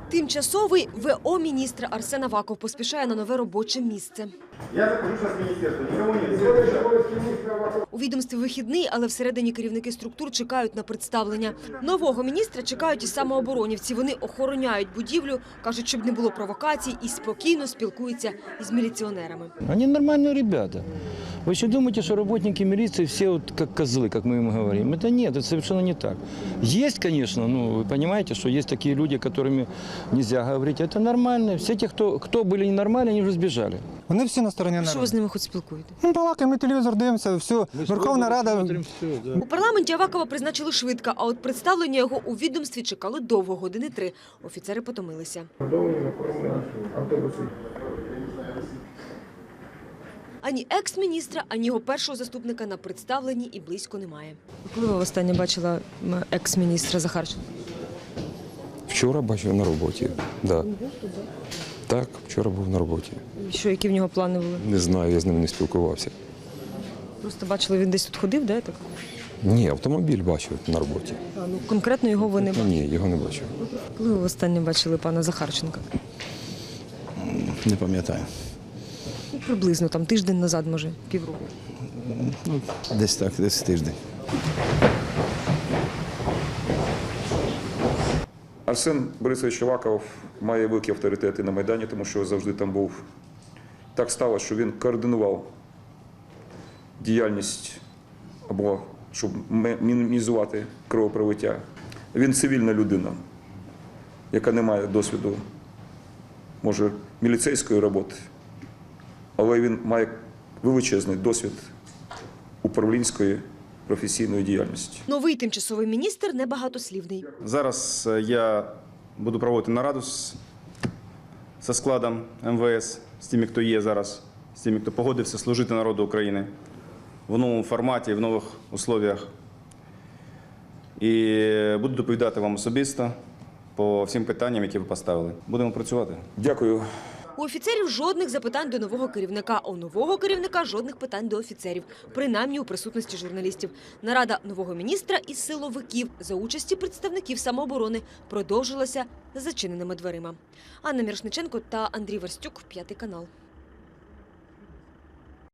Тимчасовий ВО міністра Арсен Аваков поспішає на нове робоче місце. Я захожу зараз з міністерства, нікому не. У відомстві вихідний, але всередині керівники структур чекають на представлення. Нового міністра чекають і самооборонівці. Вони охороняють будівлю, кажуть, щоб не було провокацій, і спокійно спілкуються із міліціонерами. Они нормальные ребята. Вы еще думаете, что работники милиции все вот как козлы, как мы им говорим? Это нет, это совершенно не так. Есть, конечно, вы понимаете, что есть такие люди, которыми нельзя говорить. Это нормально. Все те, кто были ненормальны, они уже сбежали. Вони всі на стороні Що ви народу. з ними хоч спілкуєте? Ну, балакаємо, ми телевізор дивимося, все, Верховна Рада. У парламенті Авакова призначили швидко, а от представлення його у відомстві чекали довго, години 3. Офіцери потомилися. Ані екс-міністра, ані його першого заступника на представленні і близько немає. Коли ви востаннє бачила екс-міністра Захарченка? Вчора бачив на роботі. Да. Так, вчора був на роботі. Що, які в нього плани були? Не знаю, я з ним не спілкувався. Просто бачили, він десь тут ходив, да, так? Ні, автомобіль бачив на роботі. Конкретно його ви не бачили? Ні, його не бачив. Коли ви востаннє бачили пана Захарченка? Не пам'ятаю. Ну, приблизно, там тиждень назад, може, півроку. Ну, десь так, десь тиждень. Арсен Борисович Аваков має великі авторитети на Майдані, тому що завжди там був. Так сталося, що він координував діяльність або щоб мінімізувати кровопролиття. Він цивільна людина, яка не має досвіду, може, міліцейської роботи, але він має величезний досвід управлінської професійної діяльності. Новий тимчасовий міністр небагатослівний. Зараз я буду проводити нараду зі складом МВС, з тими, хто є зараз, з тими, хто погодився служити народу України в новому форматі, в нових условиях. І буду доповідати вам особисто по всім питанням, які ви поставили. Будемо працювати. Дякую. У офіцерів жодних запитань до нового керівника, а у нового керівника жодних питань до офіцерів, принаймні у присутності журналістів. Нарада нового міністра із силовиків за участі представників самооборони продовжилася за зачиненими дверима. Анна Мірошниченко та Андрій Верстюк, 5 канал.